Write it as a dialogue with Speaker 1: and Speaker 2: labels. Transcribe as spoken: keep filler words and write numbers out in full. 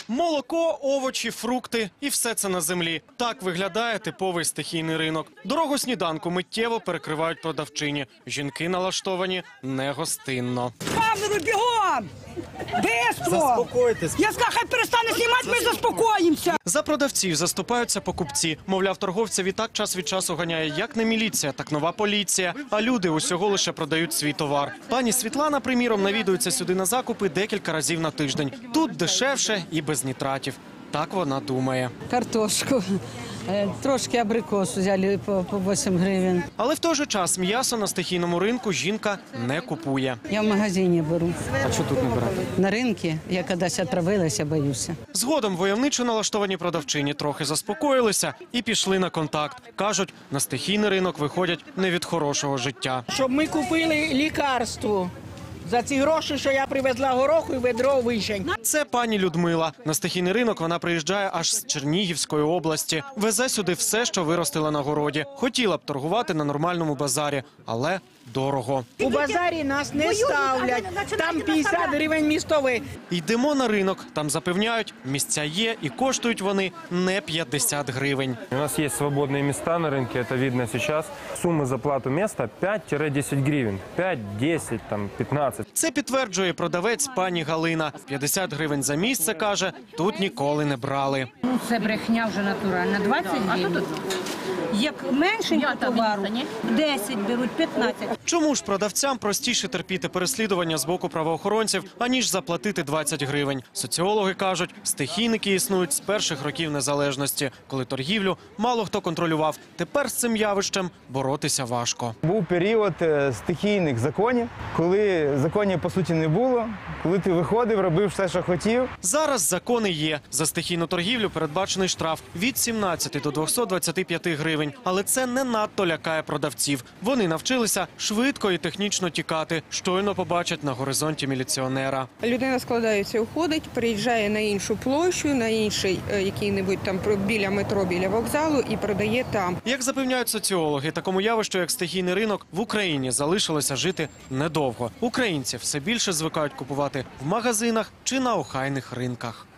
Speaker 1: Молоко, овочі, фрукти і все це на землі. Так виглядає типовий стихійний ринок. Дорогу сніданку миттєво перекривають продавчині. Жінки налаштовані негостинно.
Speaker 2: Камеру, бігом! Бистро!
Speaker 3: Заспокойтесь.
Speaker 2: Я сказав, хай перестане знімати, ми заспокоїмося.
Speaker 1: За продавців заступаються покупці. Мовляв, торговця відтак час від часу ганяє як не міліція, так нова поліція. А люди усього лише продають свій товар. Пані Світлана, приміром, навідується сюди на закупи декілька разів на тиждень. Тут дешевше і без нітратів. Так вона думає.
Speaker 4: Картошку, е, трошки абрикосу взяли по, по вісім гривень.
Speaker 1: Але в той же час м'ясо на стихійному ринку жінка не купує.
Speaker 4: Я в магазині беру.
Speaker 1: А що тут не берете?
Speaker 4: На ринку я кудись отравилася, боюся.
Speaker 1: Згодом войовничо налаштовані продавчині трохи заспокоїлися і пішли на контакт. Кажуть, на стихійний ринок виходять не від хорошого життя.
Speaker 5: Щоб ми купили лікарство за ці гроші, що я привезла гороху і ведро вишень.
Speaker 1: Це пані Людмила. На стихійний ринок вона приїжджає аж з Чернігівської області. Везе сюди все, що виростила на городі. Хотіла б торгувати на нормальному базарі, але дорого.
Speaker 5: У базарі нас не ставлять, там п'ятдесят гривень містовий.
Speaker 1: Йдемо на ринок. Там запевняють, місця є і коштують вони не п'ятдесят гривень.
Speaker 6: У нас есть свободные места на рынке, это видно сейчас. Суммы за плату места пять-десять гривен. пять, десять, там, пятнадцать.
Speaker 1: Це підтверджує продавець пані Галина. п'ятдесят гривень за місце, каже, тут ніколи не брали.
Speaker 7: Ну, це брехня вже натуральна. двадцять гривень. Як меншенько товару, десять беруть, п'ятнадцять.
Speaker 1: Чому ж продавцям простіше терпіти переслідування з боку правоохоронців, аніж заплатити двадцять гривень? Соціологи кажуть, стихійники існують з перших років незалежності, коли торгівлю мало хто контролював. Тепер з цим явищем боротися важко.
Speaker 3: Був період е, стихійних законів, коли законів, по суті, не було, коли ти виходив, робив все, що хотів.
Speaker 1: Зараз закони є. За стихійну торгівлю передбачений штраф від сімнадцяти до двохсот двадцяти п'яти гривень. Але це не надто лякає продавців. Вони навчилися швидко і технічно тікати, щойно побачать на горизонті міліціонера.
Speaker 8: Людина складається, уходить, приїжджає на іншу площу, на інший е, який-небудь там про- біля метро, біля вокзалу і продає там.
Speaker 1: Як запевняють соціологи, такому явищу, як стихійний ринок, в Україні залишилося жити недовго. Українці все більше звикають купувати в магазинах чи на охайних ринках.